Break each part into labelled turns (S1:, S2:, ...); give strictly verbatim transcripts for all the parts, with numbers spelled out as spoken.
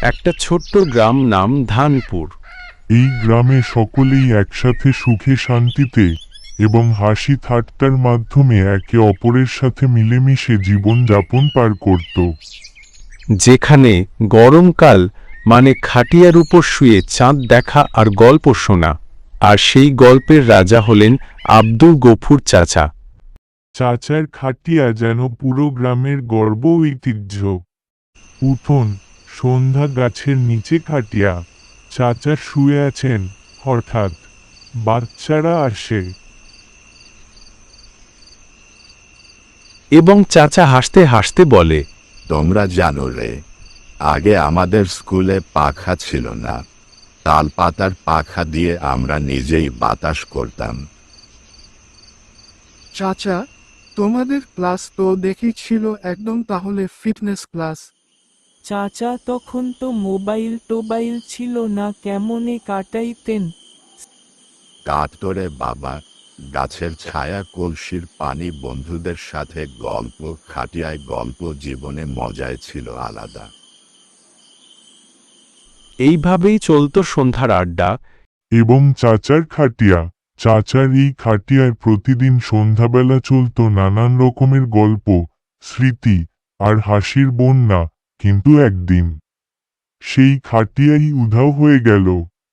S1: একটা ছোট্ট গ্রাম, নাম ধানপুর।
S2: এই গ্রামে সকলেই একসাথে সুখে শান্তিতে এবং হাসি ঠাট্টার মাধ্যমে একে অপরের সাথে মিলেমিশে জীবন যাপন পার করত।
S1: যেখানে গরমকাল মানে খাটিয়ার উপর শুয়ে চাঁদ দেখা আর গল্প শোনা। আর সেই গল্পের রাজা হলেন আব্দুল গফুর চাচা।
S2: চাচার খাটিয়া যেন পুরো গ্রামের গর্ব ঐতিহ্য। উঠোন, সন্ধ্যা, গাছের নিচে খাটিয়া, চাচা শুয়ে আছেন, হঠাৎ বাচ্চারা আসে।
S1: এবং চাচা হাসতে হাসতে বলে,
S3: তোমরা জানো রে, আগে আমাদের স্কুলে পাখা ছিল না। তাল পাতার পাখা দিয়ে আমরা নিজেই বাতাস করতাম।
S4: চাচা, তোমাদের ক্লাস তো দেখি ছিল একদম তাহলে ফিটনেস ক্লাস।
S5: চাচা তখন তো মোবাইল টোবাইল ছিল না, কেমনে কাটাইতেন?
S3: কাঠ তোরে বাবা, গাছের ছায়া, কলসির পানি, বন্ধুদের সাথে গল্প, খাটিয়ায় গল্প, জীবনে মজায় ছিল আলাদা।
S1: এইভাবেই চলত সন্ধ্যার আড্ডা।
S2: এবং চাচার খাটিয়া, চাচার এই খাটিয়ায় প্রতিদিন সন্ধ্যাবেলা চলত নানান রকমের গল্প, স্মৃতি আর হাসির বন্যা। কিন্তু একদিন সেই খাটিয়াই উধাও হয়ে গেল।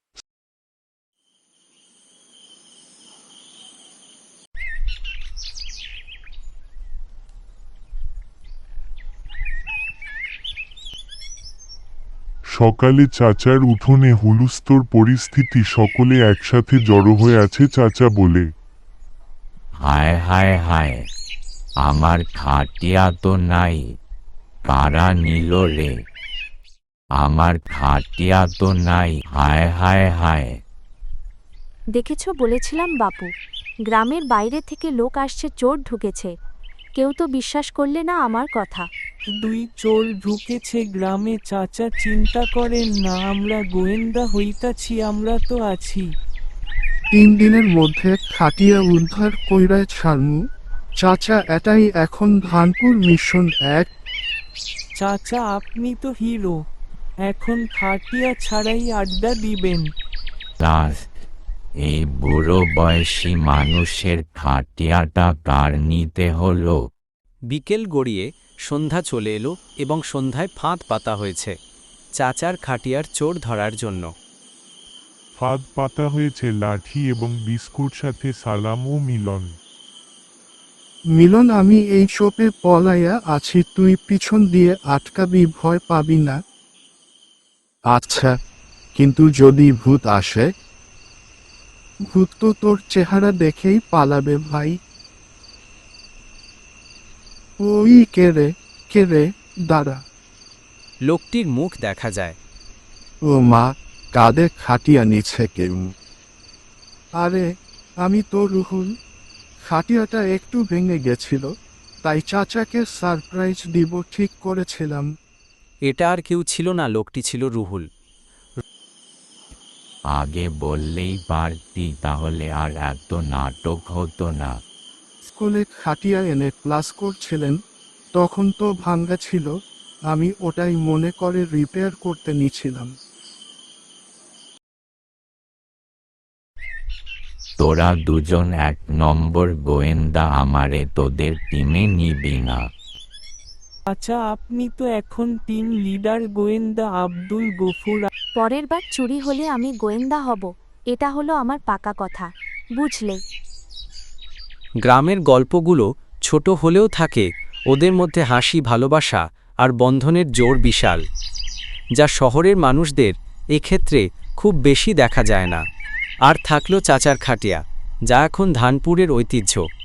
S2: সকালে চাচার উঠোনে হুলস্থুল পরিস্থিতি, সকলে একসাথে জড়ো হয়ে আছে। চাচা বলে,
S6: হায় হায় হায়, আমার খাটিয়া তো নাই, কারা নিল রে? আমার খাটিয়া তো নাই, হায় হায় হায়।
S7: দেখেছ, বলেছিলাম বাপু, গ্রামের বাইরে থেকে লোক আসছে, চোর ঢুকেছে। কেউ তো বিশ্বাস করলে না আমার কথা।
S5: দুই চোর ঢুকেছে গ্রামে, চাচা চিন্তা করেন না, আমরা গোয়েন্দা হইতাছি, আমরা তো আছি।
S4: তিন দিনের মধ্যে খাটিয়া উদ্ধার কইরায় ছাড়মু। চাচা, এটাই এখন ধানপুর মিশন এক।
S5: চাচা আপনি তো হিরো, এখন খাটিয়া ছাড়াই আড্ডা দিবেন।
S6: দাস, এই বুড়ো বয়সী মানুষের খাটিয়াটা কার নিতে হলো?
S8: বিকেল গড়িয়ে সন্ধ্যা চলে এলো এবং সন্ধ্যায় ফাঁদ পাতা হয়েছে চাচার খাটিয়ার চোর ধরার জন্য।
S2: ফাঁদ পাতা হয়েছে লাঠি এবং বিস্কুট, সাথে সালাম ও মিলন।
S4: মিলন, আমি এই চোপে পলাইয়া আছি, তুই পিছন দিয়ে আটকাবি, ভয় পাবি না।
S3: আচ্ছা, কিন্তু যদি ভূত আসে?
S4: ভূত তো তোর চেহারা দেখেই পালাবে ভাই। ওই কে রে, কে রে, দাঁড়া।
S8: লোকটির মুখ দেখা যায়।
S3: ও মা, কাঁধে খাটিয়া নিচ্ছে কেউ।
S4: আরে, আমি তো রুহুল। খাটিয়াটা একটু ভেঙে গেছিল, তাই চাচাকে সারপ্রাইজ দিব ঠিক করেছিলাম।
S8: এটা আর কেউ ছিল না, লোকটি ছিল রুহুল।
S6: আগে বললেই পারতি, তাহলে আর এত নাটক হতো না।
S4: স্কুলে খাটিয়া এনে ক্লাস করছিলেন, তখন তো ভাঙ্গা ছিল, আমি ওটাই মনে করে রিপেয়ার করতে নিছিলাম।
S6: তোরা দুজন এক নম্বর গোয়েন্দা, আমারে তোদের টিমে নিবি না?
S5: আচ্ছা, আপনি তো এখন টিম লিডার, গোয়েন্দা আব্দুল গফুর।
S7: পরের বার চুরি হলে আমি গোয়েন্দা হব, এটা হলো আমার পাকা কথা, বুঝলে?
S8: গ্রামের গল্পগুলো ছোট হলেও থাকে ওদের মধ্যে হাসি, ভালোবাসা আর বন্ধনের জোর বিশাল, যা শহরের মানুষদের এক্ষেত্রে খুব বেশি দেখা যায় না। আর থাকলো চাচার খাটিয়া, যা এখন ধানপুরের ঐতিহ্য।